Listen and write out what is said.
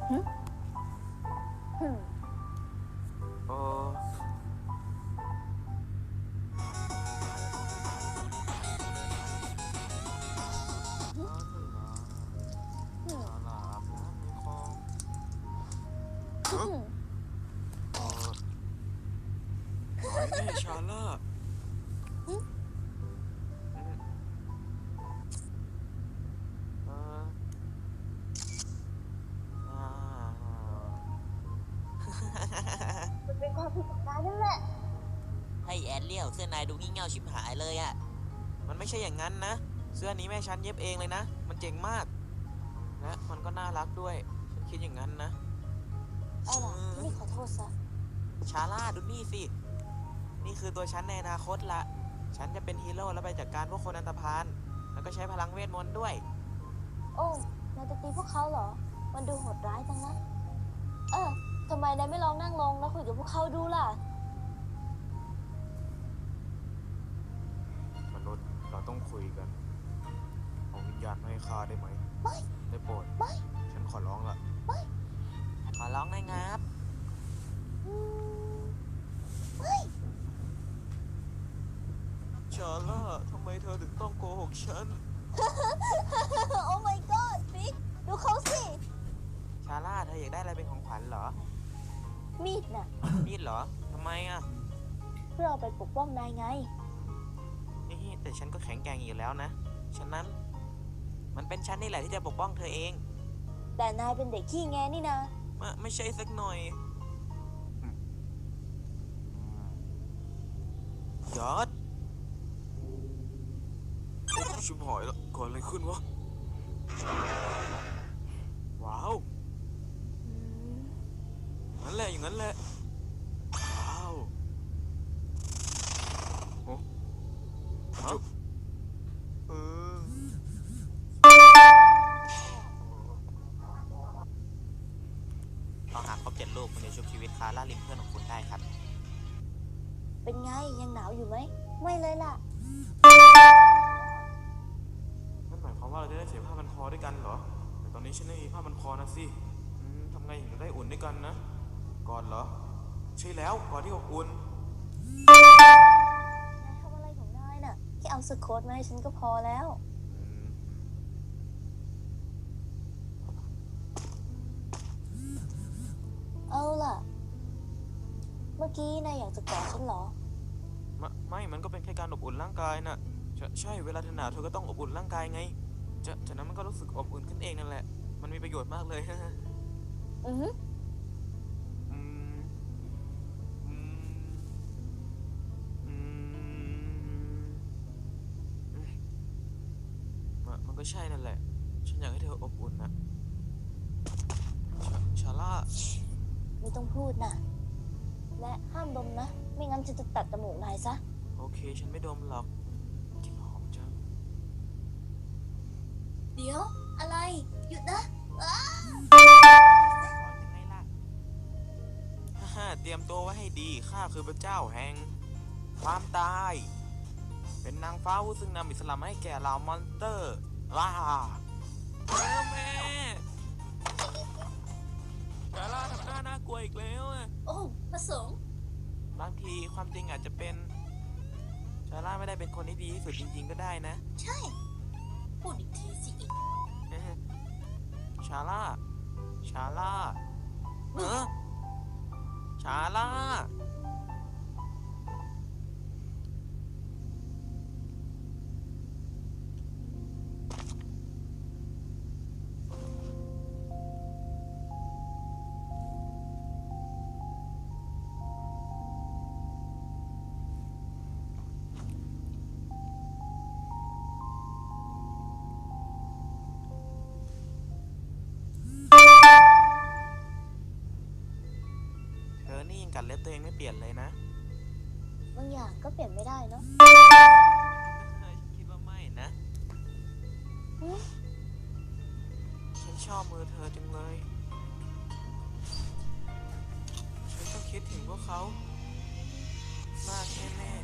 หึหึเออหึชาลาอาบน้ำในคลองหึเออหน่อยแน่ชาล่าหึอืมเอออ่ามันเป็นความผิดของนายนั่นแหละให้แอนเลี้ยวเสื้อนายดูงี่เง่าชิบหายเลยอะมันไม่ใช่อย่างนั้นนะ เสื้อนี้แม่ฉันเย็บเองเลยนะ มันเจ๋งมาก และมันก็น่ารักด้วย ฉันคิดอย่างนั้นนะเอาล่ะที่นี่ขอโทษซะชาล่าดูนี่สิ นี่คือตัวฉันในอนาคตละฉันจะเป็นฮีโร่แล้วไปจัดการพวกคนอันธพาลแล้วก็ใช้พลังเวทมนต์ด้วยโอ้นายจะตีพวกเขาเหรอ มันดูโหดร้ายจังนะ ทำไมนายไม่ลองนั่งลงแล้วคุยกับพวกเขาดูล่ะมนุษย์เราต้องคุยกันเอาวิญญาณมาให้ข้าได้ไหมไม่ได้โปรดไม่ฉันขอร้องละขอร้องหน่อยงับอืมไม่ชาล่าทำไมเธอถึงต้องโกหกฉันโอ้ my god บิ๊กดูเขาสิชาล่าเธออยากได้อะไรเป็นของขวัญเหรอมีดน่ะมีดเหรอทำไมอ่ะเพื่อเอาไปปกป้องนายไงนี่แต่ฉันก็แข็งแกร่งอยู่แล้วนะ ฉะนั้น มันเป็นฉันนี่แหละที่จะปกป้องเธอเองแต่นายเป็นเด็กขี้แงนี่นะไม่ใช่สักหน่อยยอดชิบหายแล้วก่อนอะไรขึ้นวะ ว้าวงั้นแหละอย่างนั้นแหละ ว้าวโอ้ฮะเออต้องหาครบ7 ลูกคุณจะชุบชีวิตคาร่าลิมเพื่อนของคุณได้ครับเป็นไงยังหนาวอยู่ไหม ไม่เลยล่ะนั่นหมายความว่าเราจะได้เสียผ้าพันคอด้วยกันเหรอ แต่ตอนนี้ฉันไม่มีผ้าพันคอนะสิทำไงถึงจะได้อุ่นด้วยกันนะ ก่อนเหรอ ใช่แล้วก่อนที่อบอุ่นนายทำอะไรของนายน่ะ แค่เอาสโคตมาให้ฉันก็พอแล้ว เอาล่ะ เมื่อกี้นายอยากจะกอดฉันเหรอไม่มันก็เป็นแค่การอบอุ่นร่างกายน่ะใช่เวลาเธอหนาวเธอก็ต้องอบอุ่นร่างกายไงจากนั้นมันก็รู้สึกอบอุ่นขึ้นเองนั่นแหละ มันมีประโยชน์มากเลยอือฮึอืมอืมอืมมันก็ใช่นั่นแหละ ฉันอยากให้เธออบอุ่นนะชาล่าไม่ต้องพูดนะ และห้ามดมนะ ไม่งั้นฉันจะตัดจมูกนายซะโอเคฉันไม่ดมหรอกกลิ่นหอมจังเดี๋ยว อะไร หยุดนะยังไงล่ะฮ่าเตรียมตัวไว้ให้ดีข้าคือพระเจ้าแห่งความตาย เป็นนางฟ้าผู้ซึ่งนำอิสลามให้แก่เหล่ามอนสเตอร์ว้าแม่ชาล่าทำหน้าน่ากลัวอีกแล้วอะโอ้ประสงค์บางทีความจริงอาจจะเป็นชาล่าไม่ได้เป็นคนที่ดีที่สุดจริงๆก็ได้นะใช่ พูดอีกทีสิอีกชาล่าชาล่าชาล่าเธอนี่ยังกัดเล็บตัวเองไม่เปลี่ยนเลยนะบางอย่างก็เปลี่ยนไม่ได้เนาะคิดว่าไม่นะอืมฉันชอบมือเธอจังเลย ฉันก็คิดถึงพวกเขามากแน่